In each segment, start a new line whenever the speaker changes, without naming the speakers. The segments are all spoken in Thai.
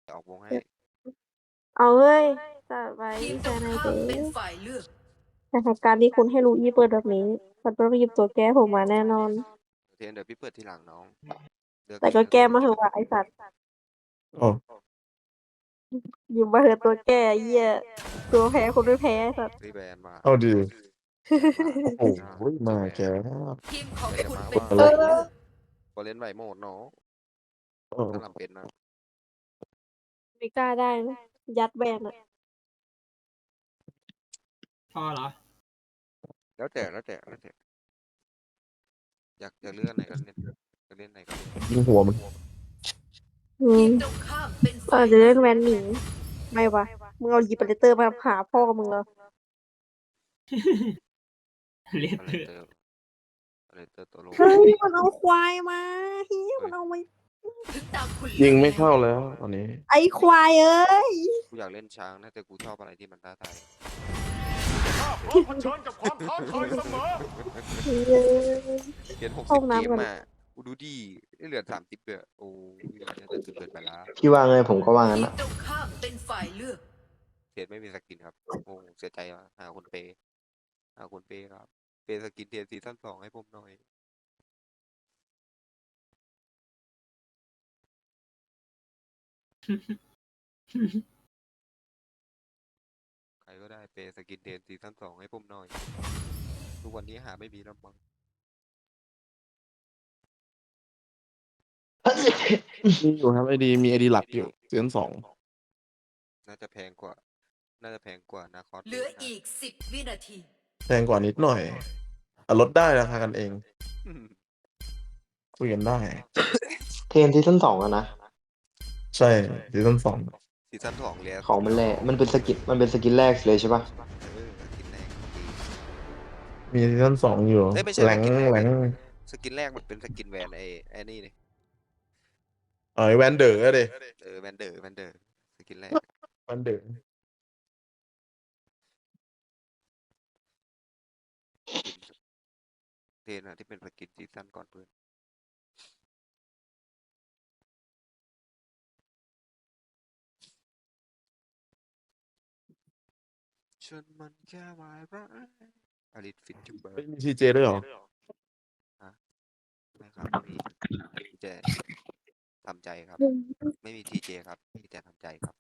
ออกวงให้
เอาเฮ้ยจัดไว้
ทีม
แฟ
ตรง
นไอเด
ข้ามเป็นฝ่ายเลือก
แต่เหตุการณ์ที่คุณให้รู้อีเปิดแบบนี้มันต้องหยิบตัวแก้ผมมาแน่นอน
เทนเดี๋ยวพี่เปิดทีหลังน้องเลือก
แต่
เอง
ก็
ถ้า
แก้
พี่
มาเถอะว่าไอสัตว์
อ๋อ
หยิบมาเถอะตัวแก้เหี้ยตัวแพ้คนไม่แพ้ไอ้สัตว์
รีแบรนด์มา
เอาดี
แบรนด์มา
โอ้โหมาแก
ทีมของ
แบรน
คุ
ด์
ณ
มา
เป็น
ว่า
ฝ่ายเลือก
พอเล่นไหวโหมดเนาะ
เออ
ถ้าลำเป็นนะ
ไม่กล้าได้นะยัดแบนอะ
พอเหรอ
แล้วแต่อยากเลื่อนไหนก็เล่นจะเล่นไหนก็เล่น
ยิงหัวมัน
อื
ที
ม
มตรงข้ามเป็น
อา
ฝ่าย
จจะ
เลื
เล่
อน ก
แวนหนีไม่วะมึงเอาหยิบเปเตอร์มาหาพ่อมึงเหรอ
เลส
อะ
เต
ไร
อร์
เตอร์อะไรเตอร์ตัวโลง
เฮ้ยมันเอาควายมาเฮียมันเอามา
ถึงตามคุณ
ยิงไม่เข้าแล้วตอนนี้
ไอควายเอ้ย
กูอยากเล่นช้างนะแต่กูชอบอะไรที่มันท้าทาย
พร้อมเผชิญกับความท้าทายเสมอ
เฮ้ย
เปลี่ยน
ห้อง
60
น้ำ
เกม
ก่อน
มากูดูดีเหลือ30เลยโอ้ยน่าจะเกินไปละ
พี่ว่าไงผมก็ว่างั้น
ทีม
อะ
ตรงข้ามเป็นฝ่ายเลือก
เสียไม่มีสกินครับโอ้เสียใจว่ะหาคนเปย์ครับเปย์สกินเทียนซีซั่น2ให้ผมหน่อยใครก็ได้เปย์สกินเทียนซีซั่น2ให้ผมหน่อยทุกวันนี้หาไม่มีแล้วมั้ง
มีอยู่ครับไอดีมีไอดีหลักอยู่ซีซั่น2
น่าจะแพงกว่านาคอส
เหลืออีก10 วินาที
แพงกว่านิดหน่อยลดได้ราคากันเองคุยกันได้
เทรนซีซั่น2อะนะ
ใช่ซีซั่น2
ซีซั่น2เลย
ของมันแรกมันเป็นสกินแรกเลยใช่ปะ
สกินแรก
มีซีซั่น2อยู่
ไม่ใช่
แหลง
สกินแรก
แหลง
สกินแรกมันเป็นสกินแวนไอ้นี่นี่
ไอแวนเดอร์อะดิ
แวนเดอร์สกินแรก
แวนเดอร์
เทนอะที่เป็นสกินซีซั่นก่อนเพื่อนฉันมันแค่วายร้ายอลิทฟิตจูเบอร์
มีซีเจด้วยเหรอ
ไม่ครับไม่มีทีเจทำใจครับ ไม่มีทีเจครับมีแต่ทำใจครับ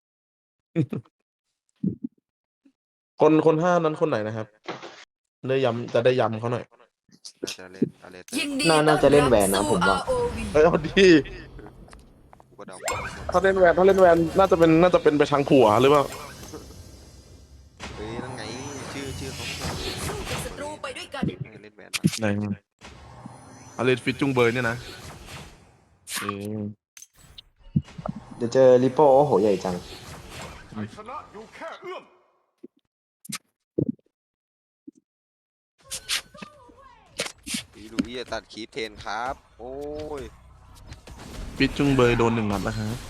คนห้านั้นคนไหนนะครับได้ย้ำจะได้ย้ำเขาหน่อย
น่าจะเล่นอะไรเตอ
ยิน
ร์
ดี
น่าจะเล่นแวนนะผมว่า
ROV
เอ้ยเอาดี
กูก็เดา
ถ้าเล่นแวนน่าจะเป็นไปทางผัวหรือเปล่า
เฮ้ยนั่นไงชื่อเขา
สู้กับศัตรูไปด้วยกัน
เล่นแวนมา
ไหนอเลสฟิตจุงเบยเนี่ยนะเออ
เดี๋ยวเจอริปโป้โอ้โหใหญ่จัง
ชัยชนะอยู่แค่เอื้อม
พี่ลูอี้จะตัดคีปเทนครับ โอ้ย
ฟิตจุงเบยโดน1 นัดแล้วครับ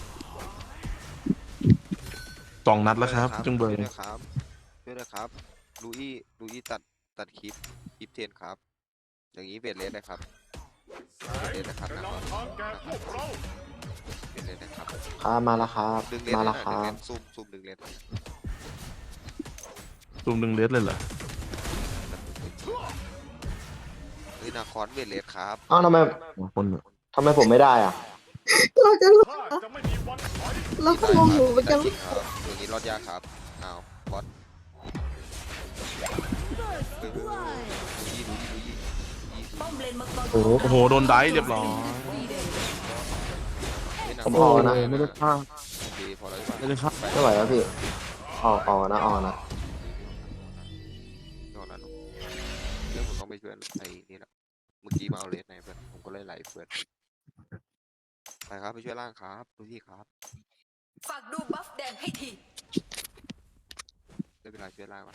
2 นัดแล้วครับฟิตจุงเบย
ช่วยด้วยครับลูอี้ตัดคีปเทนครับ อย่างนี้เวทเลสนะครับ
แสงจะนำทางแก่พวกเรา
เวทเลสนะครับ
ครับมาแล้วครับ
ดึงเลส
มา
เลย
แล้ว
นะ
ครั
ดึงเล
บ
สซุ่มดึงเลส
ตูม1 เลสเลยเหรอ
เฮ้ยนาคอนเวทเลสครับ
อ้าวทำไม
คน
ผมไม่ได้อ่ะ
เราจะ
ข้าจะไม่มีวันถอย
เราก็งงอยู่เหมือนกัน
ได้ครับอย่างนี้รอดยากครับอ้าวคอสลูอี้
ป้อมเลนมังกร
โอ้โหโดนได้เรียบร้อย
ผมออกนะ
ไม่ได้ฆ่า
ดีพอแล้ว
ไม่ได้ฆ่า
ไม่ไหวแล้วพี่ออกนะ
นอนแล้วเรื่องผมต้องไปช่วยไอ้นี่แหละเมื่อกี้มาเอาเลสในเพื่อนผมก็เลยไหลเพื่อนไปครับไปช่วยล่างครับดูที่ครับ
ฝากดูบัฟแดงให้ที
ได้เวลาช่วยล่างแล้ว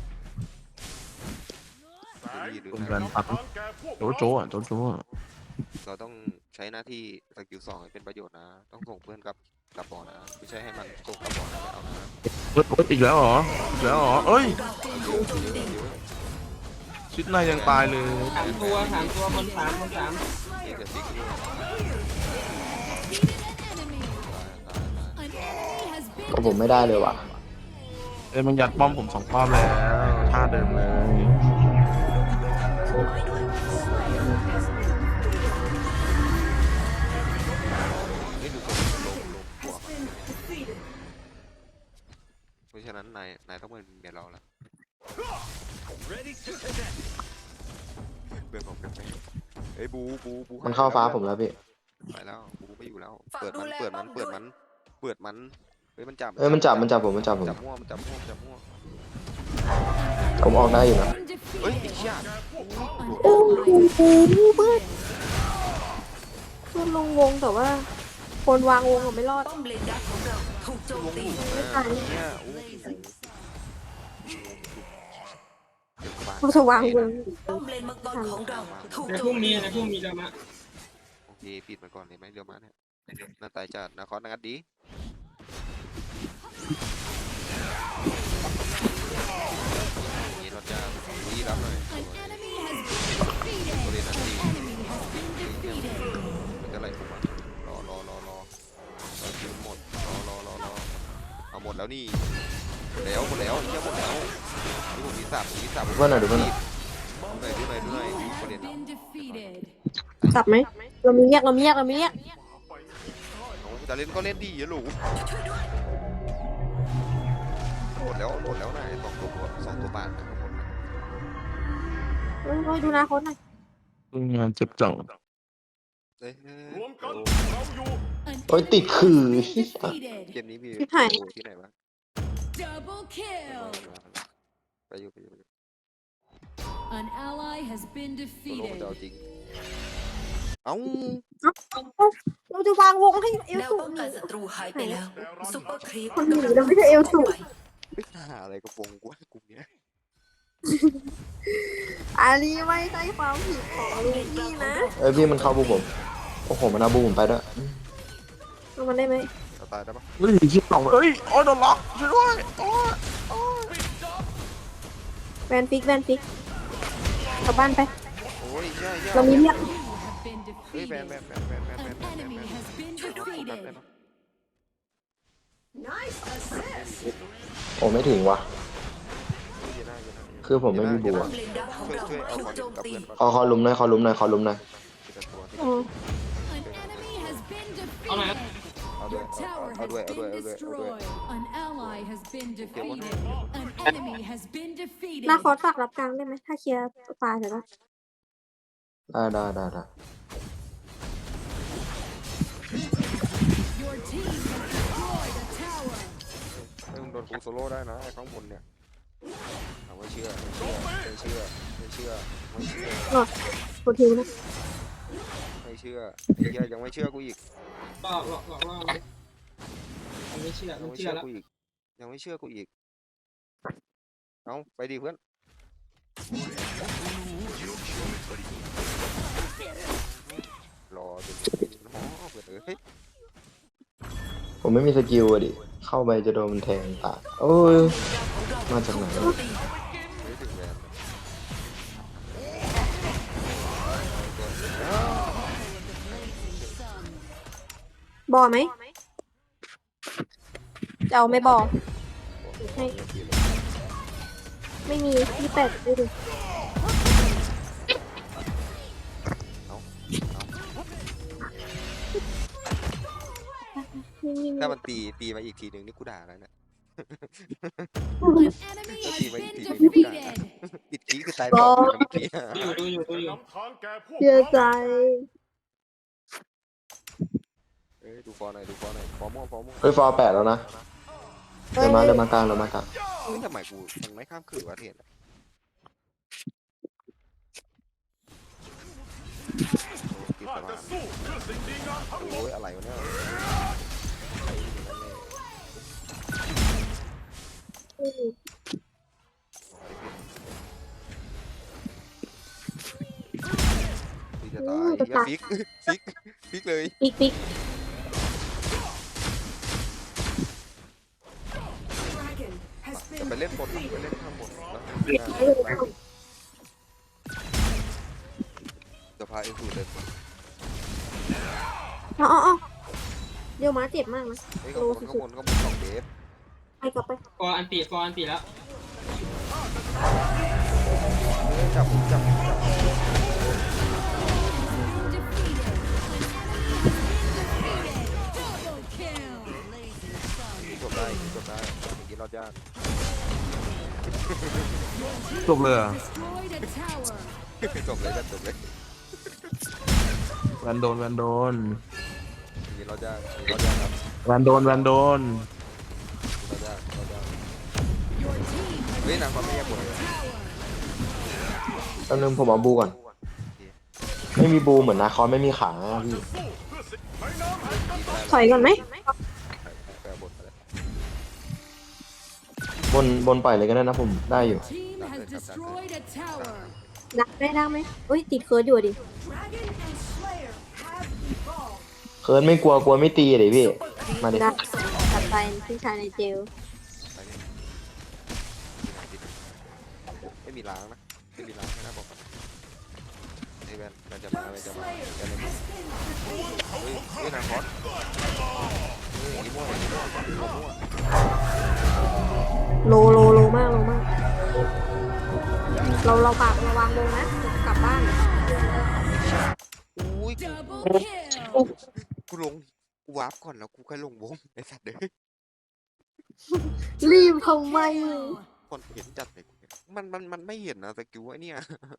แสง
เป็น
จะ
การ
นำ
ปัก
ทางแก่พวก
โจ
เรา
โจอ่ะโจโจอ่ะ
เราต้องใช้หน้าที่สกิล2ให้เป็นประโยชน์นะ ต้องส่งเพื่อนกลับบ่อนะไม่ใช่ให้มันส่งกลับบ่อนะไม่เอานะ
เฮ้ยอีกแล้วเหรอเอ้ยชิดในยังตายเลย
3 ตัวมัน3
นี่จะฟิกอยู่ตาย
ก็ผมไม่ได้เลยว่ะ
เอ้ยมันยัดป้อมผม2 ป้อมแล้วท่าเดิมเลย
ไม่ดูคนลงหัวเพราะฉะนั้นนายต้องเป็นเมียเราแล้วเบื่อของกันไปเฮ้ยบู
มันเข้าฟ้าผมแล้วพี่
ไปแล้วบูไม่อยู่แล้ว เปิดมันเฮ้ยมันจับ
เอ้ยมันจับผม
จับมั่วมันจับมั่ว
ผมออกได้อยู่นะ
เฮ้ยไอ้เชี่ย
โอ้โหเพื่อนลงวงแต่ว่า คนวางวงอะไม่รอด
ป้อมเลนดักของเราถูกโจมตี
เนี่ยโอ้โห
เขาจะวางวง
ป้อมเลนมังกรของเราถูก
ใน
โจ
พรุ่
ม
ง
ตี
นี้ในพรุ่งนี้จะมา
โอเคปิดมันก่อนเลยไหมเดี๋ยวมาเนี่ยน่าตายจัดนาคอสนัดดีนี่รถจ้าดีรับหน่อยโอเรนันดีมันจะไหลผมอ่ะรอคิวหมดรอเอาหมดแล้วนี่หมดแล้วเชี่ยหมดแล้วดูผมมีสับ
ดูเพื่อนหน่อยดูเพื่อนหน่อย
ดูหน่อยโอเรนัน
จับไหมเรามีแยก
เอาจะเล่นก็เล่นดีอย่าหลูหมดแล้วนะไอ้2 ตัวบาทนะหมด
เฮ้ยดูนะคนหน่อย
งานเจ็บจัง
เฮ้ย
รวมกันเราอยู่
โอ้ยติดขื่อ
เกมนี้มีที่ไหนบ้าง
Double kill.
ไปอยู่
An ally has been
โซโล่มัน
defeated.
จะเอาจริงเอ้า
เราจะวางวงให้เอล
แนว
สู
ป้องกันศัตรูหายไปแล้วซุปเปอร์ครีป
คนหนีเราไม่ใช่เอลสู
ไม่หาอะไรกระโปรงกูว่ากลุ่มเนี้ย
อันนี้ไม่ใช่ความผิดของลูกี้นะ
เอ้ยพี่มันเข้าบูผมโอ้โหมันเอาบูผมไปด้วย
เอามันได้ไหม
เราตายได้ปะ
เฮ้ยคิดต่องเอ้ยโอ้ยโดนล็อกช่วยด้วยโอ้ย
แวนฟิกกลับบ้านไป
โอ้ยใช่
เรามีเรียก
You have been
เฮ้ยแบน
defeated. An enemy has been defeated.
โอ้ไม่ถึงว่ะ คือผมไม่มีบู
ป้อ
อะ
มเลนดักของเรา
ช่วยเอา
ถูก
ก่อน
โจม
กับ
ตี
เพื่อนก่อน
ขอลุมหน่อยขอลุมหน่อย
โอ้
An enemy has been
เอาหน่อยครับ
defeated.
เอาด้วย
Your tower
เอา
has
ด้วย
been destroyed. An ally has been defeated. An enemy has been
หน้า
defeated.
คอร์สฝากรับกลางได้ไหมถ้าเคลียร์ปลาเสร็จแล้ว
ได้
Your team has destroyed a tower.
เฮ้ยมึงโดนกูโซโล่ได้นะไอ้ข้างบนเนี่ยเอาไม่เชื่อ
หลอดโปรทีนะ
ไอ้เหี้ยยังไม่เชื่อกูอีก
ก็บอกว่ามันไม่เชื่อ
ยัง
มัน
ไม่
เชื่
เชื่
อ
อ
แล้ว
กูอีกเอาไปดิเพื่อนรอจนหอเปิดเฮ้ย
ผมไม่มีสกิลอะดิ เข้าไปจะโดนมันแทงตายโอ้ย มาจากไหน
ไม่ถึงแวน
บอไหมจะเอาไม่บอให้ไม่มี28ดูดินี่
ถ้ามันตีมาอีกทีหนึ่งนี่กูด่าแล้วเนี่ย
An enemy has been defeated.
ปิดขี้คือตายต่อเมื่อกี้
ดูอยู่
นำทางแก่พวก
เชื่อใจ
เอ้ยดูฟอร์หน่อยฟอร์ม่วง
เฮ้ยฟอร์8แล้วนะ เดินมากลาง
เฮ้ยทำไมกูมันไม่ข้ามคือวะเทียนติด
ข้า
สมา
จะสู้เพื่อสิ่งดีงามทั้งหมด
โอ้ยอะไรวะเนี่ยจะตายอย่าฟิกเลย
ปิ๊ก
จะไปเล่นบนไปเล่นข้างบนจะพาเอ็นสูเดินมา
อ๋อเดี๋ยวม้าเจ็บมากนะ
เฮ้ยข้างบน2 เดฟ
กลับไป
ฟอร์อันติแล้ว
จับผมจับ
Double kill.
จบได้จบได้อย่างนี้รอดยาก
จบเลยเหรอ
Destroyed a tower.
จบเลยแบบจบเลย
แวนโดน
อย่างนี้รอดยากอย่างนี้รอดยากครับ
แวนโดน
รอดยากรอดยาก
Your team has
เฮ้ยนางฟ้าไม่แยกหมดเลย
tower.
ตอนนึงผมเอาบูก่อน ไม่มีบูเหมือนนาคอนไม่มีขาอะพี่
ถอยก่อนไหม
แปลบทอะไร
บนปล่อยเลยก็ได้นะผมได้อยู่
Team has destroyed a tower.
ดักได้ไหมเอ้ยติดเคิร์ดอยู่ดิ
เคิร์นไม่กลัวไม่ตีเลยพี่ มาดิ
ดักตัดไปพี่ชายในเจล
ไปเนี่ยไม่มีล้างนะไม่มีล้างนะบอกก่อนไอ้แวนจะมาแวนจะมาแวนเลยเฮ้ยนางคอสเฮ้ยอีโม่อีโม่
โลมากเราปากระวังลงนะกลับบ้าน
อุ้ย
Double kill.
กูลงกูวาร์ปก่อนแล้วกูค่อยลงวงไอ้สัตว์เด้อ
รีบทำไม
คนเห็นจัดเลยมันไม่เห็นนะสกิลไอ้เนี่ย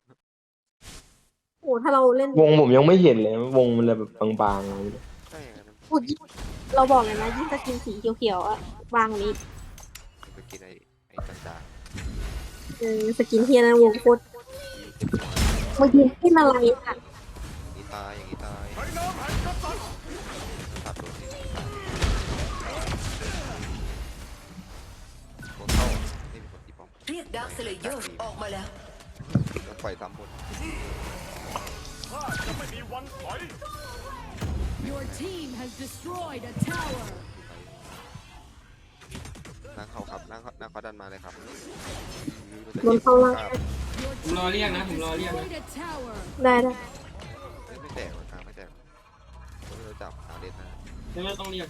โอ้ถ้าเราเล่น
วงผมยังไม่เห็นเลย วงมันเลยแบบบางๆเลย
ใช่ไงมัน
พูดยิ่งเราบอกเลยนะยิ่งสกินสีเขียวๆอะวางนี้
ไปกินไอ้จาง
สกินเทียนะวงโคตร
ๆ
มายืนที่อะไรอ่ะ
อย่างนี้ตายอย่างนี้ตายตัดโดนนี่ตายโดนเข้าไม่มีคนตีป้อม
เรียกดาร์คสเลเยอร์ออกมาแล้ว
ต้องปล่อยซ้ำหมด
ข้าจะไม่มีวันถอย
Your team has destroyed a tower.
นั่งเข้าครับนั่งเขาดันมาเลยครับ
โดนเข้าล่าง
Your
ผมรอเรียกนะ ผมรอเรียกนะ
destroyed a tower.
ได้
ไม่แตกหรอกครับไม่แตกผมไม่รู้จับหาเด็ดนะ
ไม่ต้องเรียก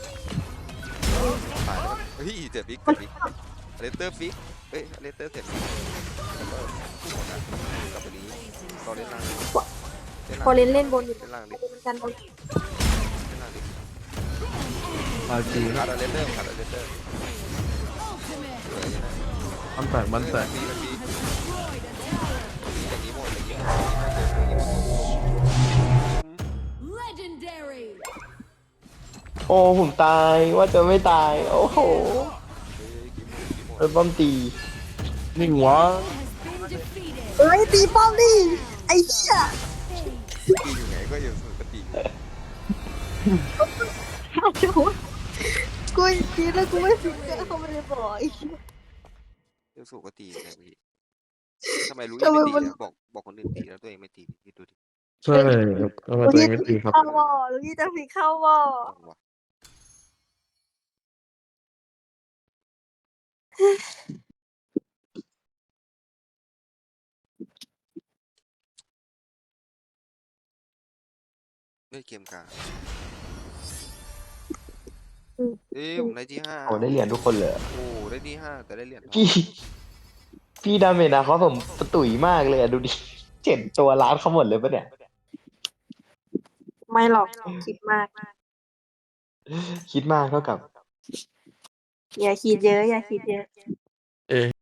ตายแล้วเฮ้ยเจ็บฟิกเลสเตอร์ฟิกเอ้ยเลสเตอร์เสร็จแล้วก็หมดนะกลับไปนี้ตอนเล่นล่าง
พอเล่นบนอยู่
เล่นล่างดิ
กันบน
เล่นล่างดิ
มาจี
ขาดเลสเตอร์ขาดเลสเตอร์
Ultimate
เหลือยังไง
มันแตก
มี
has destroyed a tower.
อย่างนี้หมดอย่างนี้
Legendary.
โอ้ผมตายว่าจะไม่ตาย โอ้โหโดนป้อมตี
นิ่งวะ
Has been defeated.
เอ้ยตีป้อมดิไอ้เหี้ย
ตีอยู่ไหนก็อยู่สุดกติ
กูตีแล้วกูไม่ฟิกเกอร์เขาไม่ได้บอก
อยู่สุดกติไงพี่ทำไมรู้ยังไม่ตีบอกคนอื่นตีแล้วตัวเองไม่ตีพี่ดูดิ
ใช่ทำไมตัวเองไม่ตีครับ
เข้าบ่อหรือที่จะฟิกเข้าบ่อ
ต้องวะเล่นเกมกลางเอ้ยผมได้ที่ห้า
โอ้ได้เหรียญทุกคนเลย
โอ้ได้ที่ห้าแต่ได้เหรียญทอง
พี่ดาเมจนะเขาผมตุ๋ยมากเลยอะดูดิ7 ตัวล้านเขาหมดเลยปะเนี่ย
ไม่หรอกคิดมาก
คิดมากเท่ากับ
อย่าคิดเยอะอย่าคิดเยอะ